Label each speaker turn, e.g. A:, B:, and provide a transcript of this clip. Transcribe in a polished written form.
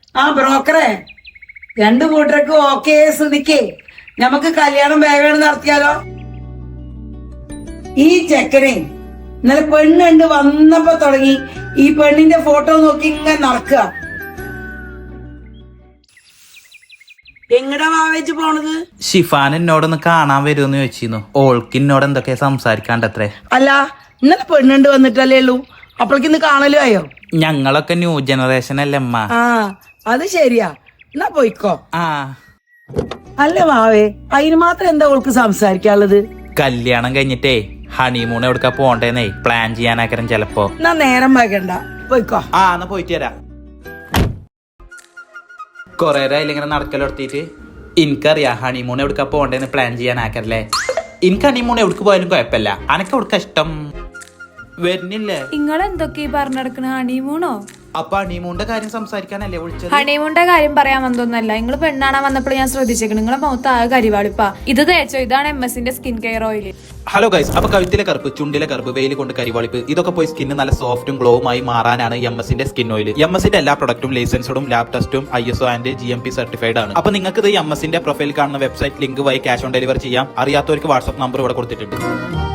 A: ആ ബ്രോക്കറെ, രണ്ടു കൂട്ടർക്ക് ഓക്കെ സ്ഥിതിക്ക് നമുക്ക് കല്യാണം വേഗം നടത്തിയാലോ? ഈ ചെക്കനെ ഇന്നലെ പെണ്ണുണ്ട് വന്നപ്പോ തുടങ്ങി ഈ പെണ്ണിന്റെ ഫോട്ടോ നോക്കി ഇങ്ങനെ നടക്കുക. എങ്ങടാ വാവേച്ച് പോണത്?
B: ഷിഫാൻ എന്നോടൊന്ന് കാണാൻ വരുമെന്ന് ചോദിച്ചിരുന്നു. ഓൾക്ക് എന്നോട് എന്തൊക്കെ സംസാരിക്കാണ്ടത്രേ.
A: അല്ല, ഇന്നലെ പെണ്ണുണ്ട് വന്നിട്ടല്ലേ ഉള്ളൂ, അപ്പോഴേക്ക് ഇന്ന് കാണലും ആയോ?
B: ഞങ്ങളൊക്കെ ന്യൂ ജനറേഷൻ അല്ലേ അമ്മ.
A: ആ അത് ശരിയാ, എന്നാ പോയിക്കോ.
B: ആ
A: അല്ല വാവേ, അതിന് മാത്രം എന്താ ഓൾക്ക് സംസാരിക്കാനുള്ളത്?
B: കല്യാണം കഴിഞ്ഞിട്ടേ ഹണിമൂൺ എവിടുക്ക പോണ്ടേന്നേ പ്ലാൻ ചെയ്യാനാക്കരം ചെലപ്പോ.
A: എന്നാ നേരം വൈകണ്ട, പോയിക്കോ.
B: ആ എന്നാ പോയിട്ട് വരാം. കൊറേ ഇങ്ങനെ നടക്കലെടുത്തിട്ട് എനിക്കറിയാം ഹണിമൂൺ എവിടുക്ക പോണ്ടേന്ന് പ്ലാൻ ചെയ്യാനാക്കരല്ലേ. എനിക്ക് ഹണിമൂൺ എവിടേക്ക് പോയാലും കുഴപ്പമില്ല. അനക്ക് എവിടുക്ക ഇഷ്ടം? വരുന്നില്ലേ?
C: നിങ്ങൾ എന്തൊക്കെ പറഞ്ഞെടുക്കണ? ഹണിമൂണോ?
B: അപ്പൊ ഹണിമൂണിന്റെ കാര്യം സംസാരിക്കാനല്ലേ വിളിച്ചത്?
C: ഹണിമൂണിന്റെ കാര്യം പറയാൻ വന്നൊന്നല്ല. നിങ്ങൾ പെണ്ണാണാൻ വന്നപ്പോൾ ഞാൻ ശ്രദ്ധിച്ചേക്കണം, നിങ്ങളെ മുഖത്ത് ആ കരിവാളിപ്പാ. ഇത് തേച്ചോ, ഇതാണ് MS-ന്റെ skin care oil.
B: Hello guys, അപ്പൊ കഴുത്തിലെ കറുപ്പ്, ചുണ്ടിലെ കറുപ്പ്, വെയിൽ കൊണ്ട് കരിവാളിപ്പ്, ഇതൊക്കെ പോയി സ്കിന്ന് നല്ല സോഫ്റ്റും ഗ്ലോവുമായി മാറാനാണ് MS-ന്റെ സ്കിൻ ഓയിൽ. MS-ന്റെ എല്ലാ പ്രൊഡക്റ്റും ലൈസൻസും ലാബ് ടെസ്റ്റും ISO ആൻഡ് GMP സർട്ടിഫൈഡ് ആണ്. അപ്പൊ നിങ്ങൾക്ക് ഇത് MS-ന്റെ പ്രൊഫൈൽ കാണുന്ന വെബ്സൈറ്റ് ലിങ്ക് വഴി ക്യാഷ് ഓൺ ഡെലിവറി ചെയ്യാം. അറിയാത്തവർക്ക് വാട്സ്ആപ്പ് നമ്പർ ഇവിടെ കൊടുത്തിട്ടുണ്ട്.